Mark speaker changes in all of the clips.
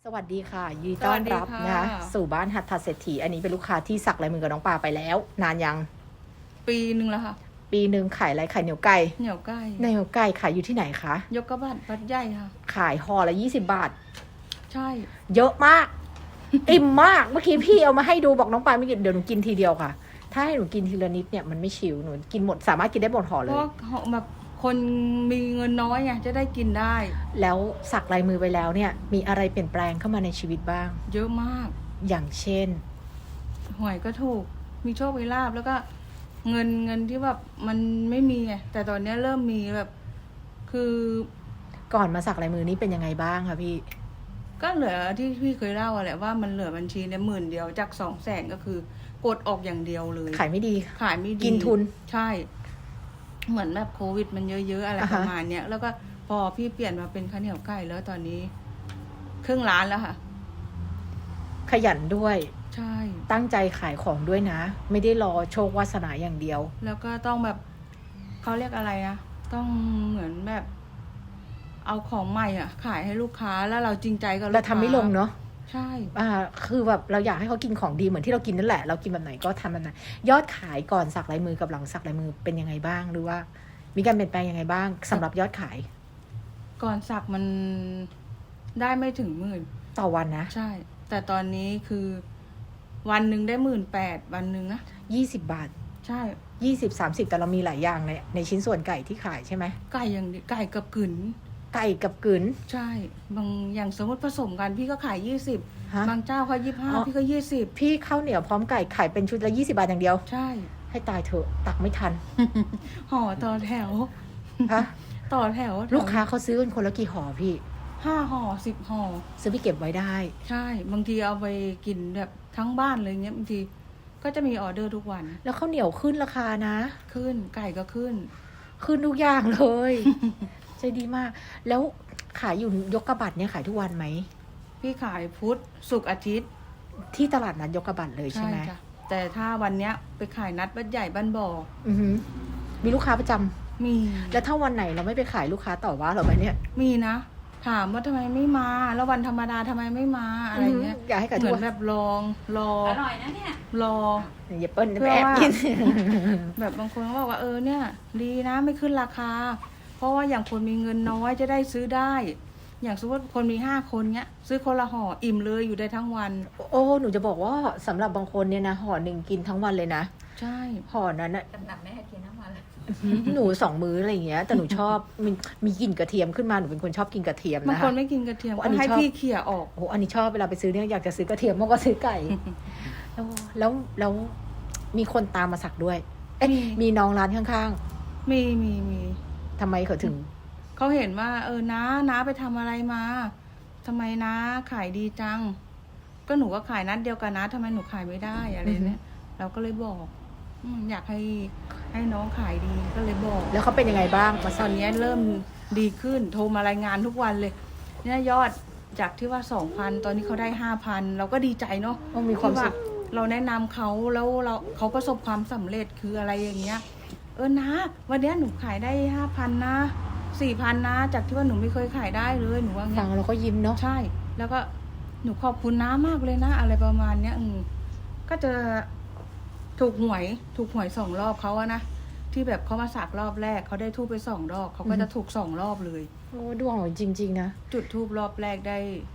Speaker 1: สวัสดีค่ะยินดีต้อนรับนะคะสู่บ้านหัตถเศรษฐีอันนี้เป็นลูกค้าที่สักลายมือกับน้องปาไปแล้ว นานยัง
Speaker 2: ปีหนึ่งแล้วค่ะ
Speaker 1: ปีหนึ่งขายอะไรขายเหนียวไก่
Speaker 2: เหนียวไก่
Speaker 1: เหนียวไก่ขายอยู่ที่ไหนคะ
Speaker 2: ยกกระบะวัดใหญ่ค่ะ
Speaker 1: ขายห่อละ20 บาท
Speaker 2: ใช่
Speaker 1: เยอะมาก อิ่มมากเมื่อกี้พี่เอามาให้ดูบอกน้องปาไม่กินเดี๋ยวหนูกินทีเดียวค่ะถ้าให้หนูกินทีละนิดเนี่ยมันไม่ชิวหนูกินหมดสามารถกินได้หมดห่อเล
Speaker 2: เพ
Speaker 1: ย
Speaker 2: ราะแบบคนมีเงินน้อยไงจะได้กินได้
Speaker 1: แล้วสักลายมือไปแล้วเนี่ยมีอะไรเปลี่ยนแปลงเข้ามาในชีวิตบ้าง
Speaker 2: เยอะมาก
Speaker 1: อย่างเช่น
Speaker 2: หวยก็ถูกมีโชคมีลาภแล้วก็เงินที่แบบมันไม่มีไงแต่ตอนนี้เริ่มมีแบบคือ
Speaker 1: ก่อนมาสักลายมือนี้เป็นยังไงบ้างคะพี่
Speaker 2: ก็เหลือที่พี่เคยเล่าแหละว่ามันเหลือบัญชีเนี่ย10,000จาก200,000ก็คือกดออกอย่างเดียวเลย
Speaker 1: ขายไม่ดี
Speaker 2: ขายไม่ดี
Speaker 1: กินทุน
Speaker 2: ใช่เหมือนแบบโควิดมันเยอะๆอะไรประมาณเนี้ยแล้วก็พอพี่เปลี่ยนมาเป็นข้าวเหนียวไก่แล้วตอนนี้ครึ่งล้านแล้วค่ะ
Speaker 1: ขยันด้วย
Speaker 2: ใช่
Speaker 1: ตั้งใจขายของด้วยนะไม่ได้รอโชควาสนาอย่างเดียว
Speaker 2: แล้วก็ต้องแบบเขาเรียกอะไรนะต้องเหมือนแบบเอาของใหม่อ่ะขายให้ลูกค้าแล้วเราจริงใจกับลูกค้า
Speaker 1: เราทำไม่ลงเนาะ
Speaker 2: ใช่
Speaker 1: คือแบบเราอยากให้เขากินของดีเหมือนที่เรากินนั่นแหละเรากินแบบไหนก็ทำแบบนั้นยอดขายก่อนสักลายมือกับหลังสักลายมือเป็นยังไงบ้างหรือว่ามีการเปลี่ยนแปลงยังไงบ้างสำหรับยอดขาย
Speaker 2: ก่อนสักมันได้ไม่ถึง10,000
Speaker 1: ต่อวันนะ
Speaker 2: ใช่แต่ตอนนี้คือวันหนึ่งได้18,000วันหนึ่งนะ
Speaker 1: 20 บาท
Speaker 2: ใช่
Speaker 1: 20-30แต่เรามีหลายอย่างในชิ้นส่วนไก่ที่ขายใช่ไหม
Speaker 2: ไก่อย่างไก่กับกึ๋น
Speaker 1: ไก่กับกึ๋น
Speaker 2: ใช่บางอย่างสมมติผสมกันพี่ก็ขาย20บางเจ้าเขา25พี่ก็20
Speaker 1: พี่ข้าวเหนียวพร้อมไก่ขายเป็นชุดละ20 บาทอย่างเดียว
Speaker 2: ใช่
Speaker 1: ให้ตายเถอะตักไม่ทัน
Speaker 2: ห่อต่อแถว
Speaker 1: ฮะ
Speaker 2: ต่อแถว
Speaker 1: ลูกค้าเขาซื้อกันคนละกี่ห่อพี่
Speaker 2: 5 ห่อ10 ห่อ
Speaker 1: ซื้อไปเก็บไว้ได้
Speaker 2: ใช่บางทีเอาไปกินแบบทั้งบ้านเลยเงี้ยบางทีก็จะมีออเดอร์ทุกวัน
Speaker 1: แล้วข้าวเหนียวขึ้นราคานะ
Speaker 2: ขึ้นไก่ก็ขึ้น
Speaker 1: ทุกอย่างเลยใจดีมากแล้วขายอยู่ยกกระบัดเนี่ยขายทุกวันไหม
Speaker 2: พี่ขายพุธศุกร์อาทิตย์
Speaker 1: ที่ตลาดนัดยกกระบัดเลยใช่ไหม
Speaker 2: แต่ถ้าวันเนี้ยไปขายนัดบ้านใหญ่บ้านบ่อ
Speaker 1: มีลูกค้าประจำ
Speaker 2: มี
Speaker 1: แล้วถ้าวันไหนเราไม่ไปขายลูกค้าต่อว่าเราไหมเนี่ย
Speaker 2: มีนะถามว่าทำไมไม่มาแล้ววันธรรมดาทำไมไม่มาอะไรเงี้ย
Speaker 1: อยากให้กระ
Speaker 2: เหมือนแบบรอ
Speaker 3: อร่อยนะเนี่ย
Speaker 2: รอ
Speaker 1: อย่าเปิ้ลไปแอบกิน
Speaker 2: แบบบางคนก็บอกว่าเนี่ยดีนะไม่ขึ้นราคาเพราะว่าอย่างคนมีเงินน้อยจะได้ซื้อได้อย่างสมมติคนมี5 คนเนี้ยซื้อคนละห่ออิ่มเลยอยู่ได้ทั้งวัน
Speaker 1: โอ้หนูจะบอกว่าสำหรับบางคนเนี่ยนะห่อหนึ่งกินทั้งวันเลยนะ
Speaker 2: ใช่
Speaker 1: ห่อนั้นนะ
Speaker 3: หนักไม่ให้กินทั้งวันเลย
Speaker 1: หนู2 มื้ออะไรอย่างเงี้ยแต่หนูชอบมีกลิ่นกระเทียมขึ้นมาหนูเป็นคนชอบกินกระเทียมนะคะ
Speaker 2: บางคนไม่กินกระเทียมก็ให้พี่เขี่ยออก
Speaker 1: โอ้อันนี้ชอบเวลาไปซื้อเนี่ยอยากจะซื้อกระเทียมมากกว่าซื้อไก่แล้วมีคนตามมาสักด้วยมีน้องร้านข้าง
Speaker 2: ๆมี
Speaker 1: ทำไมเขาถึง
Speaker 2: เขาเห็นว่าน้าไปทำอะไรมาทำไมน้าขายดีจังก็หนูก็ขายนัดเดียวกันนะทำไมหนูขายไม่ได้อะไรเนี่ยเราก็เลยบอกอยากให้น้องขายดีก็เลยบอก
Speaker 1: แล้วเขาเป็นยังไงบ้าง
Speaker 2: ตอนนี้เริ่มดีขึ้นโทรมารายงานทุกวันเลยเนี่ยยอดจากที่ว่า 2,000 ตอนนี้เขาได้ 5,000 เราก็ดีใจเนาะ
Speaker 1: มีความสุข
Speaker 2: เราแนะนำเขาแล้วเขาประสบความสำเร็จคืออะไรอย่างเงี้ยนะวันนี้หนูขายได้ 5,000 นะ4,000 นะจากที่ว่าหนูไม่เคยขายได้เลยหนูว่า
Speaker 1: ฟังเราก็ยิ้มเนาะ
Speaker 2: ใช่แล้วก็หนูขอบคุณน้ามากเลยนะอะไรประมาณเนี้ยก็จะถูกหวย2 รอบเขาอะนะที่แบบเขามาสักรอบแรกเขาได้ทูบไป2 รอบเขาก็จะถูก2 รอบเลย
Speaker 1: โอ้ดวงหนูจริงๆนะ
Speaker 2: จุดทูบรอบแรกได้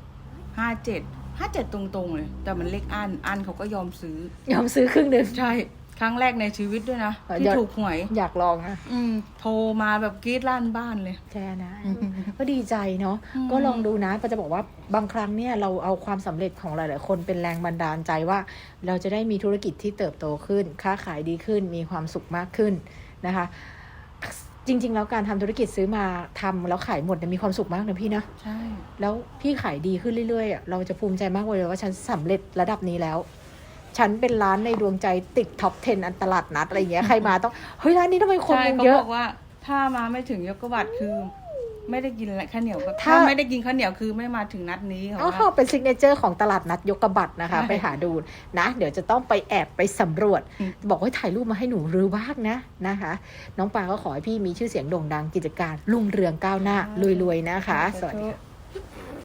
Speaker 2: 57ตรงๆเลยแต่มันเลขอันเขาก็ยอมซื้
Speaker 1: อครึ่งนึง
Speaker 2: ใช่ครั้งแรกในชีวิตด้วยนะที่ถูกหวย
Speaker 1: อยากลองนะ
Speaker 2: โทรมาแบบกรี๊ดลั่นบ้านเลย
Speaker 1: แค่นะก็ดีใจเนาะก็ลองดูนะก็จะบอกว่าบางครั้งเนี่ยเราเอาความสำเร็จของหลายๆคนเป็นแรงบันดาลใจว่าเราจะได้มีธุรกิจที่เติบโตขึ้นค้าขายดีขึ้นมีความสุขมากขึ้นนะคะจริงๆแล้วการทำธุรกิจซื้อมาทำแล้วขายหมดมีความสุขมากนะพี่นะ
Speaker 2: ใช่
Speaker 1: แล้วพี่ขายดีขึ้นเรื่อยๆเราจะภูมิใจมากเลยว่าฉันสำเร็จระดับนี้แล้วฉันเป็นร้านในดวงใจติดท็อป 10 อันตลาดนัดอะไรอย่างเงี้ยใครมาต้องเฮ้ยร้านนี้ทำไมคนมันเยอะ
Speaker 2: เขาบอกว่าถ้ามาไม่ถึงยกกระบัดคือไม่ได้กินข้าวเหนียวถ้าไม่ได้กินข้าวเหนียวคือไม่มาถึงนัดนี้
Speaker 1: เขาเป็นซิกเนเจอร์ของตลาดนัดยกกระบัดนะคะไปหาดูนะเดี๋ยวจะต้องไปแอบไปสำรวจบอกว่าถ่ายรูปมาให้หนูรู้บ้างนะคะน้องปาก็ขอให้พี่มีชื่อเสียงโด่งดังกิจการรุ่งเรืองก้าวหน้ารวยๆนะคะสวัสดี